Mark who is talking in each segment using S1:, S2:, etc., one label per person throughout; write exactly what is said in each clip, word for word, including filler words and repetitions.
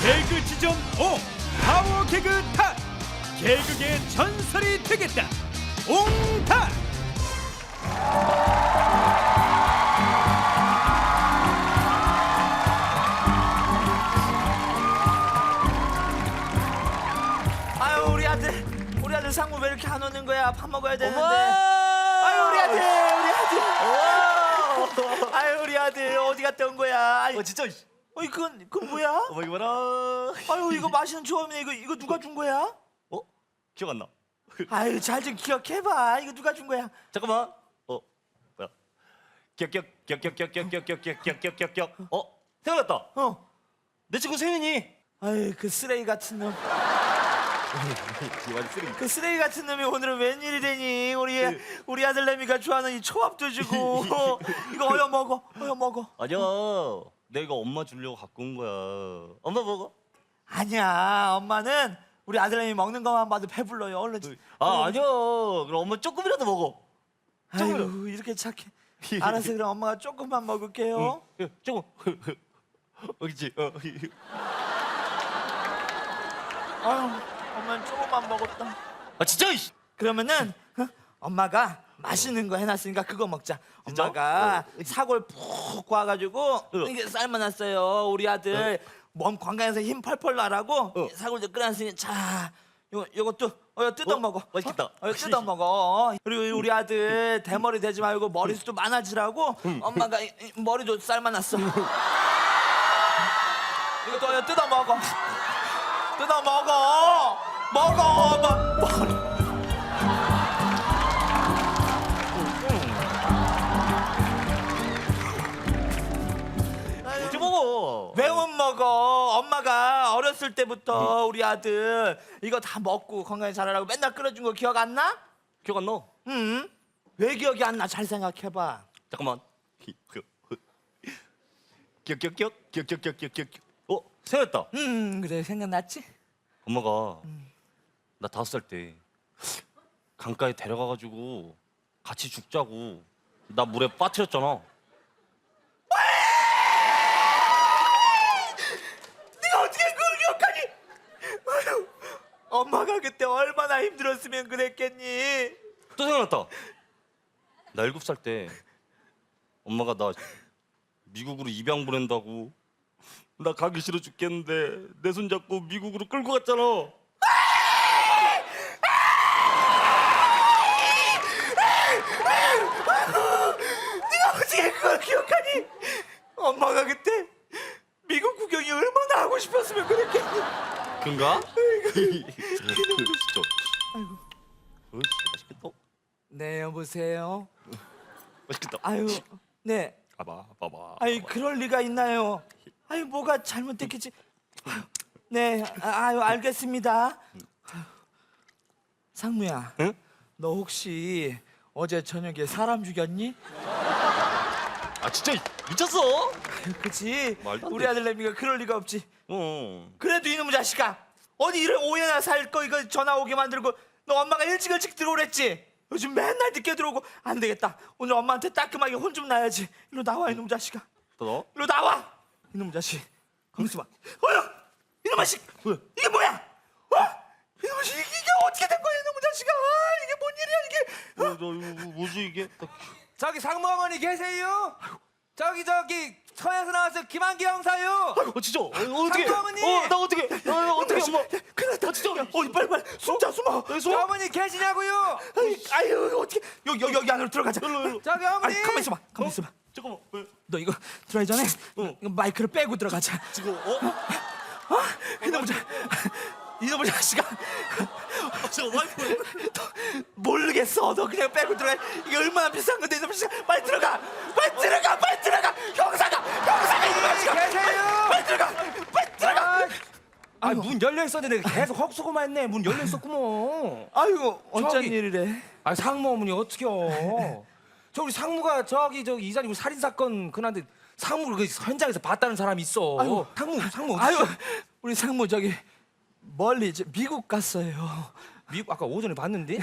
S1: 개그 지점 오 파워 개그 탓 개그계 전설이 되겠다 옹탓.
S2: 아유 우리 아들 우리 아들 상무 왜 이렇게 안 오는 거야? 밥 먹어야 되는데.
S3: 어머!
S2: 아유 우리 아들 우리 아들. 아유 우리 아들 어디 갔다 온 거야? 아유,
S3: 어 진짜.
S2: 어 이건 이건 뭐야?
S3: 어머 이거라.
S2: 아유 이거 맛있는 조합이네. 이거 이거 누가 준 거야?
S3: 어 기억 안 나.
S2: 아유 잘 좀 기억해봐. 이거 누가 준 거야?
S3: 잠깐만. 어 뭐야? 기억 기억 기억 기억 기억 기억 기억 기억 기억 기억 기억 기억 기억. 어 생각났다.
S2: 어.
S3: 내 친구 세윤이.
S2: 아유 그 쓰레기 같은 놈.
S3: 기완 쓰레기.
S2: 그 쓰레기 같은 놈이 오늘은 웬일이래니? 우리 우리 아들 내미가 좋아하는 이 초밥도 주고 이거 어여 먹어 어여 먹어.
S3: 아니야. 내가 엄마 주려고 갖고 온 거야. 엄마 먹어.
S2: 아니야 엄마는 우리 아들내미 먹는 것만 봐도 배불러요. 얼른.
S3: 아 아니야. 그럼 엄마 조금이라도 먹어. 조금이라도.
S2: 아유 이렇게 착해. 알았어 그럼 엄마가 조금만 먹을게요.
S3: 응, 조금. 어, 그렇지. 어.
S2: 아유 엄마는 조금만 먹었다.
S3: 아 진짜. 이씨.
S2: 그러면은 어? 엄마가 맛있는 거 해놨으니까 그거 먹자.
S3: 진짜?
S2: 엄마가 사골 푹 구워가지고
S3: 어.
S2: 이게 삶아놨어요. 우리 아들 몸 건강해서 힘 펄펄 나라고
S3: 어.
S2: 사골 좀 끓여놨으니 자 요거 요것도 어 뜯어
S3: 어?
S2: 먹어.
S3: 맛있겠다.
S2: 어? 어, 뜯어 먹어. 그리고 우리 아들 대머리 되지 말고 머리숱도 많아지라고 엄마가 이- 이 머리도 삶아놨어. 이것도 어, 뜯어 먹어. 뜯어 먹어. 먹어. 뭐, 머리.
S3: 이제 먹어.
S2: 왜 못 먹어? 엄마가 어렸을 때부터 우리 아들 이거 다 먹고 건강히 자라라고 맨날 끓여준 거 기억 안 나?
S3: 기억 안 나?
S2: 응? 왜 기억이 안 나? 잘 생각해봐.
S3: 잠깐만. 기억 기억 기억 기억 기억 기억 기억 기억. 어 생각났다.
S2: 응 그래 생각났지?
S3: 엄마가 나 다섯 살 때 강가에 데려가가지고 같이 죽자고 나 물에 빠뜨렸잖아.
S2: 네가 어떻게 그걸 기억하니? 아유, 엄마가 그때 얼마나 힘들었으면 그랬겠니?
S3: 또 생각났다. 나 일곱 살 때 엄마가 나 미국으로 입양 보낸다고 나 가기 싫어 죽겠는데 내 손 잡고 미국으로 끌고 갔잖아.
S2: 네가 어떻게 그걸 기억하니? 엄마가 그때 미국 구경이 얼마나 하고 싶었으면 그랬겠니?
S3: 그런가? 진짜.
S2: 아이고.
S3: 어이씨, 맛있겠다.
S2: 네 여보세요.
S3: 맛있겠다.
S2: 아유 네.
S3: 봐봐, 봐봐.
S2: 아유 그럴 리가 있나요? 아유 뭐가 잘못됐겠지? 아유, 네, 아, 아유 알겠습니다. 아유, 상무야,
S3: 응?
S2: 너 혹시 어제 저녁에 사람 죽였니?
S3: 아 진짜 미쳤어?
S2: 아유, 그치?
S3: 말도 안
S2: 우리
S3: 돼.
S2: 아들 내미가 그럴 리가 없지.
S3: 어.
S2: 그래도 이놈의 자식아, 어디 이런 오해나 살 거 이거 전화 오게 만들고 너 엄마가 일찍 일찍 들어오랬지? 요즘 맨날 늦게 들어오고 안 되겠다. 오늘 엄마한테 따끔하게 혼 좀 나야지. 일로 나와 이놈 자식아.
S3: 또 너?
S2: 일로 나와! 이놈 자식. 강수마. 어여! 이놈 자식!
S3: 왜?
S2: 이게 뭐야? 어? 이놈 자식 이게 어떻게 된 거야 이놈 자식아? 아, 이게 뭔 일이야 이게?
S3: 어, 너 이거 뭐지 이게?
S4: 저기 상무 어머니 계세요? 저기 저기 서에서 나왔어 김한기 형사요.
S3: 어 진짜? 어, 어떻게?
S4: 상무 어머니!
S3: 어, 나 어떻게? 어, 어떻게 엄마?
S2: 큰일 났다.
S3: 진짜?
S2: 어, 빨리 빨리 숨자 숨어.
S3: 어,
S4: 저 어머니 계시냐고요?
S2: 아유, 아유 이거 어떻게? 여기 여기 여기 안으로 들어가자.
S3: 일로 일로.
S4: 저기 어머니.
S2: 아니 가만 있어봐. 가만 있어봐.
S3: 잠깐만. 왜?
S2: 너 이거 들어가기 전에
S3: 어.
S2: 이거 마이크를 빼고 들어가자.
S3: 지금 어?
S2: 어? 이놈 자 이놈 자식아.
S3: 지금 와이프.
S2: 모르겠어. 너 그냥 빼고 들어가. 이게 얼마나 비싼 건데 이놈 자식아. 빨리 들어가. 빨리 들어가. 빨리 들어가. 형사가 형사가 이놈 자식아.
S4: 계세요?
S2: 빨리 들어가. 빨리 들어가.
S4: 아, 문 열려 있었는데 계속 헉수고만 했네. 문 열려 있었구먼.
S2: 아이고 어쩐
S4: 저기.
S2: 일이래.
S4: 아, 상무 어머니 어떡해요? 저 우리 상무가 저기 저기 이자님 살인 사건 그날데 상무를 그 현장에서 봤다는 사람이 있어.
S2: 아이고.
S4: 상무 상무
S2: 아유
S4: 어디
S2: 우리 상무 저기 멀리 저 미국 갔어요.
S4: 미국 아까 오전에 봤는데.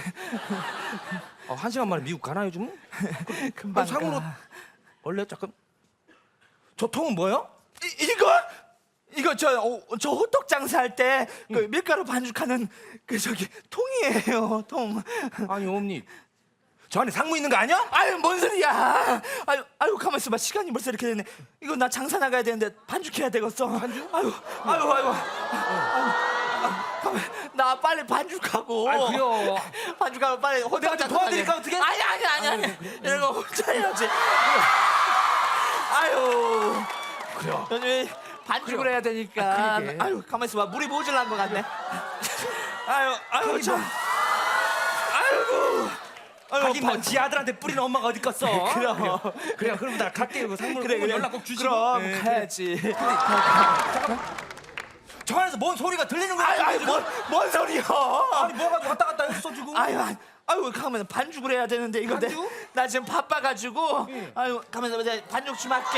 S4: 아, 한 시간 만에 미국 가나요 좀?
S2: 금방
S4: 아니, 상무로
S2: 가.
S4: 원래 잠깐 저 통은 뭐요?
S2: 이, 이거 이거 저, 어, 저 호떡 장사할 때 그 밀가루 반죽하는 그 저기 통이에요, 통.
S4: 아니 어머니 저 안에 상무 있는 거 아니야?
S2: 아유, 뭔 소리야. 아유, 아유, 가만 있어봐. 시간이 벌써 이렇게 됐네. 이거 나 장사 나가야 되는데 반죽해야 되겠어. 반죽? 아유, 아유, 아유. 아유, 가만, 나 빨리 반죽하고.
S4: 아이, 그래요.
S2: 반죽하고 빨리 호떡
S4: 내가 좀
S2: 장사
S4: 도와드릴까,
S2: 나가야 돼.
S4: 어떻게?
S2: 아니, 아니, 아니, 아니. 이런 거 혼자 해야지. 아유.
S4: 그래요.
S2: 요즘 반죽을
S4: 그래요.
S2: 해야 되니까.
S4: 아, 그러게.
S2: 아유, 가만 있어봐. 물이 모질란 것 같네. 아유, 아유, 참. 아이고. 아유,
S4: 하긴 뭐지 아들한테 뿌리는 엄마가 어디 갔어?
S2: 그럼.
S4: 그래요. 그래요. 그럼 나 갈게요. 그 상무
S2: 그래, 그래.
S4: 연락 꼭 주시고.
S2: 그럼
S4: 네,
S2: 가야지.
S4: 저 안에서 뭔 소리가 들리는 거야?
S2: 아유, 아유, 뭔, 뭔 소리야?
S4: 아니 뭐가 왔다 갔다 했어 지금?
S2: 아유, 아유, 아유, 가면 반죽을 해야 되는데 이거 내,
S4: 반죽?
S2: 나 지금 바빠가지고. 아유, 가면서 이제 반죽 좀 할게.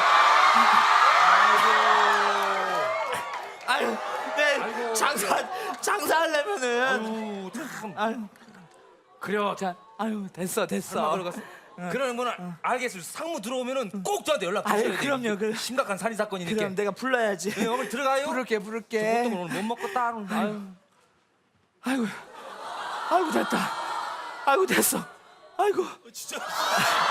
S2: 아유, 네,
S4: 아이고.
S2: 장사 장사하려면은.
S4: 아유 참.
S2: 아유,
S4: 그래요.
S2: 자, 아유, 됐어,
S4: 엄마
S2: 됐어.
S4: 그러갔어. 그러는 거는 알겠어요. 상무 들어오면은 꼭 저한테 연락
S2: 아유,
S4: 주셔야 돼요.
S2: 그럼요, 그럼.
S4: 심각한 살인 사건이니까.
S2: 그럼 내가 불러야지.
S4: 네, 어머니 들어가요.
S2: 부를게,
S4: 보통
S2: 부를게.
S4: 오늘 못 먹고 따로. 아유.
S2: 아이고, 아이고 됐다. 아이고 됐어. 아이고.
S3: 진짜